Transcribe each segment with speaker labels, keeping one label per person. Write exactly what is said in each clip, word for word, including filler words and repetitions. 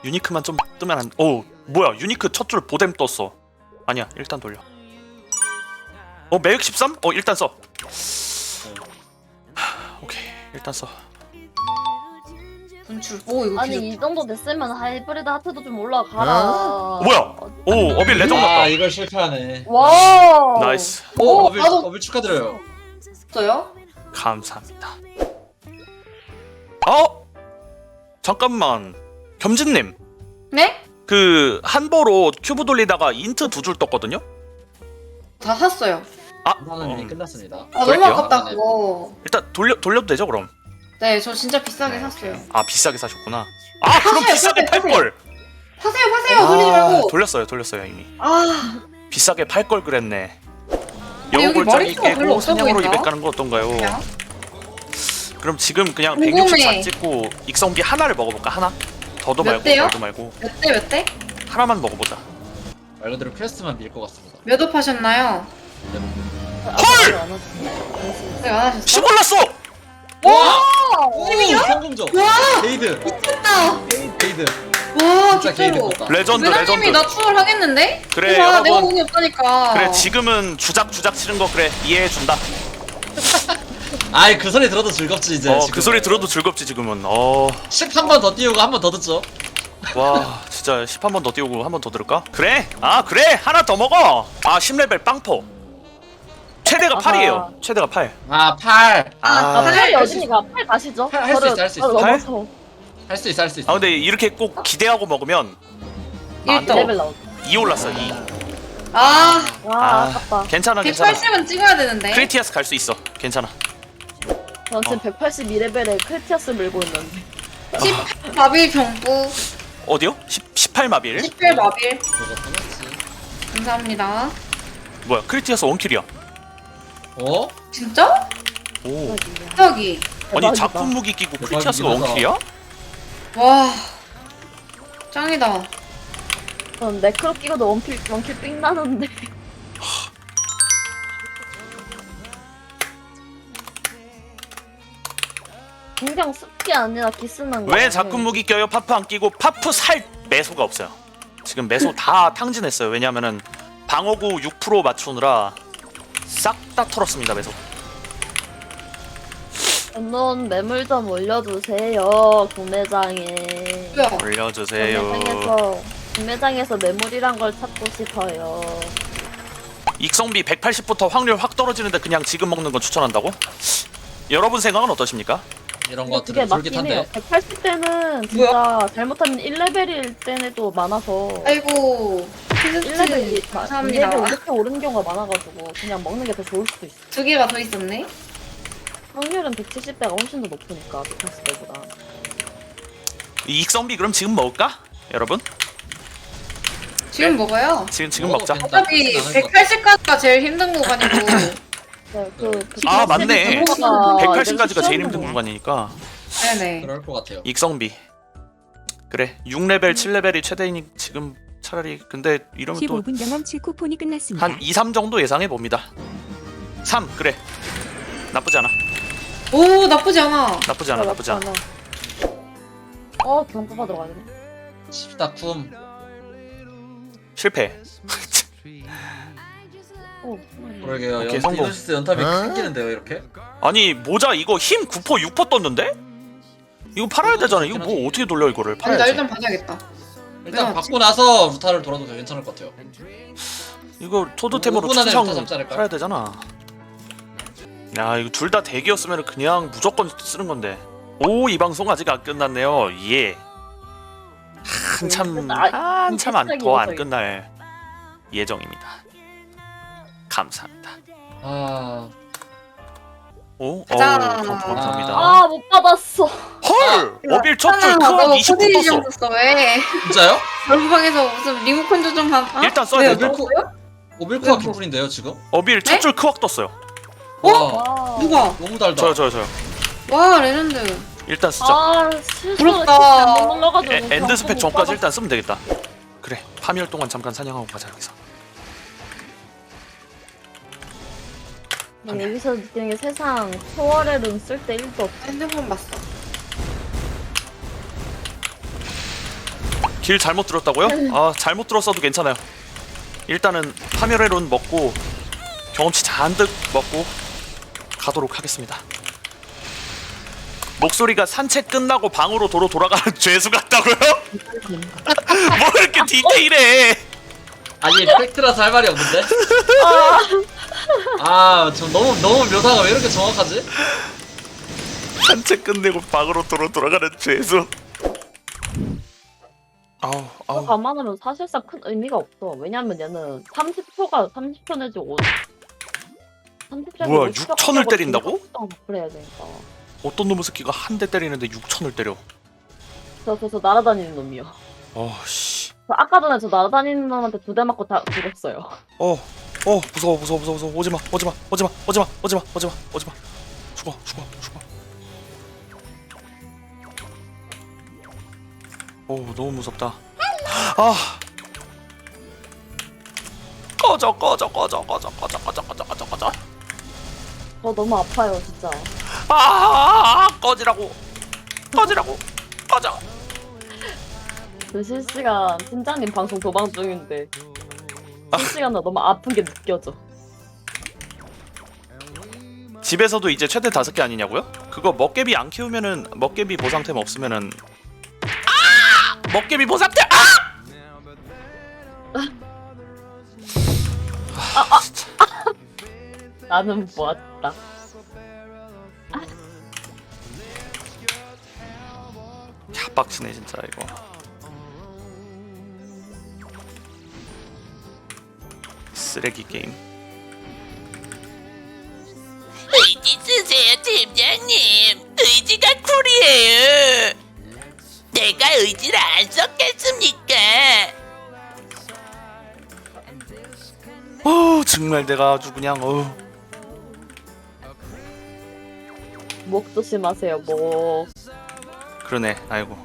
Speaker 1: 유니크만 좀 뜨면 안... 오 뭐야 유니크 첫 줄 보뎀 떴어. 아니야 일단 돌려. 어 매획 십삼? 어 일단 써. 하, 오케이 일단 써.
Speaker 2: 분출. 오 이거
Speaker 3: 아니
Speaker 2: 기존.
Speaker 3: 이 정도 됐으면 하이브리드 하트도 좀 올라가라.
Speaker 1: 어? 뭐야? 오 어빌 레전드
Speaker 4: 아
Speaker 1: 났다.
Speaker 4: 이걸 실패하네.
Speaker 3: 와.
Speaker 1: 나이스.
Speaker 4: 오
Speaker 2: 오,
Speaker 4: 어빌
Speaker 2: 나도-
Speaker 4: 어빌 축하드려요.
Speaker 2: 없어요?
Speaker 1: 감사합니다. 어? 잠깐만 겸진님
Speaker 2: 네?
Speaker 1: 그 한보로 큐브 돌리다가 인트 두 줄 떴거든요?
Speaker 2: 다 샀어요.
Speaker 1: 아
Speaker 4: 하나는 이미
Speaker 1: 음,
Speaker 4: 끝났습니다.
Speaker 2: 아
Speaker 1: 그럴게요.
Speaker 2: 너무 아깝다 그거.
Speaker 1: 일단 돌려, 돌려도 되죠 그럼?
Speaker 2: 네, 저 진짜 비싸게
Speaker 1: 네,
Speaker 2: 샀어요.
Speaker 1: 아 비싸게 사셨구나. 아 그럼
Speaker 2: 사세요,
Speaker 1: 비싸게
Speaker 2: 사세요,
Speaker 1: 팔걸.
Speaker 2: 파세요, 파세요. 돌리지 말고.
Speaker 1: 돌렸어요 돌렸어요 이미.
Speaker 2: 아,
Speaker 1: 비싸게 팔걸 그랬네.
Speaker 2: 여기
Speaker 1: 여우골짜기
Speaker 2: 머리수가 별로
Speaker 1: 깨고
Speaker 2: 없어
Speaker 1: 사냥으로
Speaker 2: 보인다.
Speaker 1: 이백 가는 거 어떤가요?
Speaker 2: 그냥.
Speaker 1: 그럼 지금 그냥
Speaker 2: 궁금해.
Speaker 1: 백육십사 찍고 익성비 하나를 먹어볼까? 하나? 더도
Speaker 2: 몇
Speaker 1: 말고
Speaker 2: 대요?
Speaker 1: 더도 말고
Speaker 2: 몇 대, 몇 대?
Speaker 1: 하나만 먹어보자.
Speaker 4: 말 그대로 퀘스트만 밀 것 같습니다.
Speaker 2: 몇 업 하셨나요?
Speaker 1: 헐!
Speaker 2: 네, 안 하셨어?
Speaker 1: 십 올랐어!
Speaker 2: 와!
Speaker 4: 오 성공적.
Speaker 2: 와!
Speaker 4: 게이드
Speaker 2: 미쳤다!
Speaker 4: 게이드.
Speaker 2: 와,
Speaker 4: 진짜 게이드
Speaker 2: 진짜로.
Speaker 4: 떴다.
Speaker 1: 레전드
Speaker 2: 회장님이
Speaker 1: 레전드.
Speaker 2: 나 추월 하겠는데?
Speaker 1: 그래,
Speaker 2: 와,
Speaker 1: 여러분.
Speaker 2: 내가 운이 없다니까.
Speaker 1: 그래 지금은 주작 주작 치는 거 그래 이해해준다.
Speaker 4: 아이 그 소리 들어도 즐겁지 이제.
Speaker 1: 어
Speaker 4: 지금.
Speaker 1: 그 소리 들어도 즐겁지 지금은. 어.
Speaker 4: 십 한 번 더 띄우고 한 번 더 듣죠.
Speaker 1: 와 진짜 십 한 번 더 띄우고 한 번 더 들을까? 그래? 아 그래 하나 더 먹어. 아 십 레벨 빵포. 최대가
Speaker 3: 아하.
Speaker 1: 팔이에요. 최대가 팔.
Speaker 4: 아 팔.
Speaker 1: 아,
Speaker 3: 아, 팔이
Speaker 4: 할 수
Speaker 3: 어디니까 팔 가시죠?
Speaker 4: 팔, 할수
Speaker 3: 저를-
Speaker 4: 있어, 할수
Speaker 3: 저를
Speaker 4: 있어.
Speaker 1: 팔?
Speaker 3: 넘어서
Speaker 4: 할 수 있어 할 수 있어.
Speaker 1: 아 근데 이렇게 꼭 기대하고 먹으면 아,
Speaker 2: 일 등.
Speaker 3: 레벨 나오죠.
Speaker 1: 이 올랐어 이.
Speaker 2: 아,
Speaker 3: 와
Speaker 1: 아.
Speaker 3: 아깝다.
Speaker 1: 괜찮아 괜찮아.
Speaker 2: 백팔십은 찍어야 되는데.
Speaker 1: 크리티아스 갈 수 있어. 괜찮아.
Speaker 3: 전 지금
Speaker 1: 어.
Speaker 3: 백팔십이 레벨에 크리티아스 밀고 있는데.
Speaker 2: 십 마빌 경부,
Speaker 1: 어디요? 십팔 마빌?
Speaker 2: 십팔 마빌.
Speaker 4: 그거 떠났지.
Speaker 2: 감사합니다.
Speaker 1: 뭐야 크리티아스 원킬이야.
Speaker 4: 어?
Speaker 2: 진짜?
Speaker 1: 오.
Speaker 2: 저기.
Speaker 1: 아니
Speaker 3: 대박이다.
Speaker 1: 작품 무기 끼고
Speaker 4: 대박이긴
Speaker 1: 크리티아스가
Speaker 4: 하다.
Speaker 1: 원킬이야?
Speaker 2: 와, 짱이다.
Speaker 3: 전 네크로 끼고도 원킬 원킬 삥 나는데. 그냥 습기 아니라 기스난 거.
Speaker 1: 왜 작품 무기 껴요? 파프 안 끼고 파프 살 매소가 없어요. 지금 매소 다 탕진했어요. 왜냐면은 방어구 육 퍼센트 맞추느라 싹 다 털었습니다 매소.
Speaker 3: 넌 매물 좀 올려주세요 구매장에.
Speaker 2: 뭐야?
Speaker 1: 올려주세요.
Speaker 3: 구매장에서 구매장에서 매물이란 걸 찾고 싶어요.
Speaker 1: 익성비 백팔십부터 확률 확 떨어지는데 그냥 지금 먹는 건 추천한다고? 여러분 생각은 어떠십니까?
Speaker 4: 이런
Speaker 3: 근데 그게
Speaker 4: 것들은
Speaker 3: 맞긴 해요.
Speaker 4: 솔깃한데.
Speaker 3: 백팔십 대는 진짜 잘못하면 일 레벨일 때도 많아서
Speaker 2: 아이고.
Speaker 3: 일 레벨, 이
Speaker 2: 감사합니다.
Speaker 3: 레벨 이렇게 오른 경우가 많아가지고 그냥 먹는 게 더 좋을 수도 있어.
Speaker 2: 두 개가 더 있었네.
Speaker 3: 확률은 백칠십 대가 훨씬 더 높으니까 백팔십 대보다.
Speaker 1: 이 익성비 그럼 지금 먹을까? 여러분?
Speaker 2: 지금 먹어요.
Speaker 1: 지금 지금
Speaker 4: 어,
Speaker 1: 먹자.
Speaker 4: 괜찮-
Speaker 2: 어차피
Speaker 4: 나는 것
Speaker 2: 백팔십까지가 제일 힘든 구간이고.
Speaker 3: 네, 그
Speaker 1: 아, 맞네.
Speaker 3: 백팔십이
Speaker 1: 백팔십까지가 제일
Speaker 3: 쉬운
Speaker 1: 힘든
Speaker 3: 거구나.
Speaker 1: 구간이니까
Speaker 2: 네네.
Speaker 4: 그럴 것 같아요.
Speaker 1: 익성비 그래 육 레벨 칠 레벨이 최대이니 지금 차라리 근데 이러면 또
Speaker 5: 십오 분 경험치 쿠폰이 끝났습니다.
Speaker 1: 한 이, 삼 정도 예상해 봅니다. 삼 그래 나쁘지 않아.
Speaker 2: 오, 나쁘지 않아.
Speaker 1: 나쁘지 않아 나쁘지 않아.
Speaker 3: 어 경고 받으러 가야 되네.
Speaker 4: 십다쿰.
Speaker 1: 실패.
Speaker 3: 어,
Speaker 4: 그러게요.
Speaker 1: 오케이,
Speaker 4: 연,
Speaker 1: 성공.
Speaker 4: 이노시스 연탑이 끊기는데요 이렇게?
Speaker 1: 아니 모자 이거 힘 구 퍼센트 육 퍼센트 떴는데? 이거 팔아야 되잖아. 이거 뭐 어떻게 돌려 이거를
Speaker 2: 아니, 나
Speaker 1: 팔아야지.
Speaker 2: 일단 봐야겠다.
Speaker 4: 일단
Speaker 2: 네,
Speaker 4: 받고 나서 루타를 돌아도 괜찮을 것 같아요.
Speaker 1: 이거 토드템으로
Speaker 4: 오 분 안에
Speaker 1: 추청
Speaker 4: 루타 잡지 않을까요?
Speaker 1: 팔아야 되잖아. 야 이거 둘 다 대기였으면 그냥 무조건 쓰는 건데. 오 이 방송 아직 안 끝났네요. 예. 한참
Speaker 3: 아,
Speaker 1: 한참 안,
Speaker 3: 시작이
Speaker 1: 더 안
Speaker 3: 이어서
Speaker 1: 끝날 예정입니다. 감사합니다.
Speaker 4: 아
Speaker 1: 오, 어,
Speaker 2: 가자.
Speaker 1: 감사합니다.
Speaker 3: 아 못 받았어.
Speaker 1: 헐! 어빌 첫줄
Speaker 2: 아,
Speaker 1: 크원
Speaker 2: 너
Speaker 1: 이십구
Speaker 2: 코디네이션
Speaker 1: 떴어.
Speaker 2: 썼어, 왜?
Speaker 4: 진짜요?
Speaker 2: 얼굴방에서 무슨 리모컨 조정 한. 어?
Speaker 1: 일단 써야
Speaker 2: 왜,
Speaker 1: 되죠.
Speaker 2: 어쩔 거예요?
Speaker 4: 오빌코가
Speaker 2: 왜 뭐-
Speaker 4: 개꿀인데요 지금?
Speaker 1: 어빌
Speaker 2: 네?
Speaker 1: 첫줄 크왁 떴어요.
Speaker 2: 어?
Speaker 4: 와
Speaker 3: 와.
Speaker 2: 누가?
Speaker 4: 너무 달다.
Speaker 1: 저요 저요 저요.
Speaker 2: 와, 레전드.
Speaker 1: 일단 쓰자.
Speaker 3: 아 실수로
Speaker 2: 부럽다.
Speaker 3: 잘못 눌러가지고.
Speaker 1: 에, 엔드 스펙
Speaker 3: 못
Speaker 1: 전까지
Speaker 3: 받았어.
Speaker 1: 일단 쓰면 되겠다. 그래 파멸 동안 잠깐 사냥하고 가자 여기서.
Speaker 3: 난 여기서 느끼는 게 세상 초월의 룬 쓸 때 일도 없어.
Speaker 2: 핸드폰 봤어.
Speaker 1: 길 잘못 들었다고요? 아 잘못 들었어도 괜찮아요. 일단은 파멸의론 먹고 경험치 잔뜩 먹고 가도록 하겠습니다. 목소리가 산책 끝나고 방으로 도로 돌아가는 죄수 같다고요? 뭐 이렇게 디테일해?
Speaker 4: 아니 팩트라서 할 말이 없는데? 아, 저 너무 너무 묘사가 왜 이렇게 정확하지?
Speaker 1: 산책 끝내고 방으로 도로 돌아가는 죄수. 아우
Speaker 3: 그거
Speaker 1: 아우.
Speaker 3: 감안하면 사실상 큰 의미가 없어. 왜냐면 얘는 삼십 초가 삼십 초 내지 오 삼십 초가
Speaker 1: 뭐야, 육천을 때린다고?
Speaker 3: 그래야 되니까.
Speaker 1: 어떤 놈의 새끼가 한 대 때리는데 육천을 때려.
Speaker 3: 저, 저, 저 날아다니는 놈이요.
Speaker 1: 어씨.
Speaker 3: 저 아까 전에 저 날아다니는 놈한테 두 대 맞고 다 죽었어요.
Speaker 1: 어, 어, 무서워, 무서워, 무서워, 무서워. 오지마, 오지마, 오지마, 오지마, 오지마, 오지마, 오지마. 죽어, 죽어, 죽어. 오, 너무 무섭다. 아, 꺼져, 꺼져, 꺼져, 꺼져, 꺼져, 꺼져, 꺼져, 꺼져, 꺼져.
Speaker 3: 저 너무 아파요, 진짜.
Speaker 1: 아, 꺼지라고, 꺼지라고, 꺼져.
Speaker 3: 그 실시간 팀장님 방송 도방 중인데 실시간으로 너무 아픈 게 느껴져.
Speaker 1: 집에서도 이제 최대 다섯 개 아니냐고요? 그거 먹개비 안 키우면은 먹개비 보상템 없으면은 아! 먹개비 보상템 아! 아, 진짜.
Speaker 3: 나는 보았다.
Speaker 1: 빡치네 진짜 이거. 쓰레기 게임.
Speaker 6: 의지 쓰세요, 팀장님. 의지가 쿨이에요. 내가 의지를 안 썼겠습니까?
Speaker 1: 어 정말 내가 아주 그냥 어.
Speaker 3: 목 조심하세요, 목.
Speaker 1: 그러네. 아이고.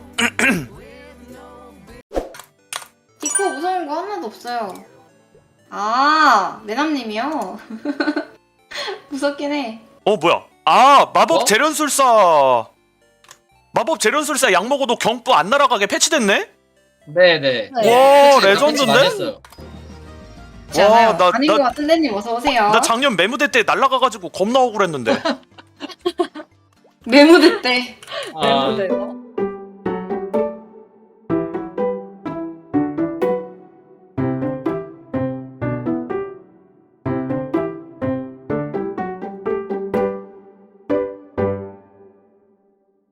Speaker 2: 디코 무서운 거 하나도 없어요. 아, 내남님이요? 무섭긴 해.
Speaker 1: 어 뭐야? 아 마법
Speaker 4: 어?
Speaker 1: 재련술사. 마법 재련술사 약 먹어도 경부 안 날아가게 패치됐네?
Speaker 4: 네네.
Speaker 1: 와
Speaker 4: 패치
Speaker 1: 레전드인데?
Speaker 4: 많이 했어요.
Speaker 2: 그렇지 않아요?
Speaker 1: 와, 나-
Speaker 2: 아닌
Speaker 1: 나-
Speaker 2: 것 같은데 님 어서 오세요.
Speaker 1: 나 작년 매무대 때 날아가가지고 겁나 억울했는데.
Speaker 2: 메모대 때.
Speaker 4: 아,
Speaker 3: 네,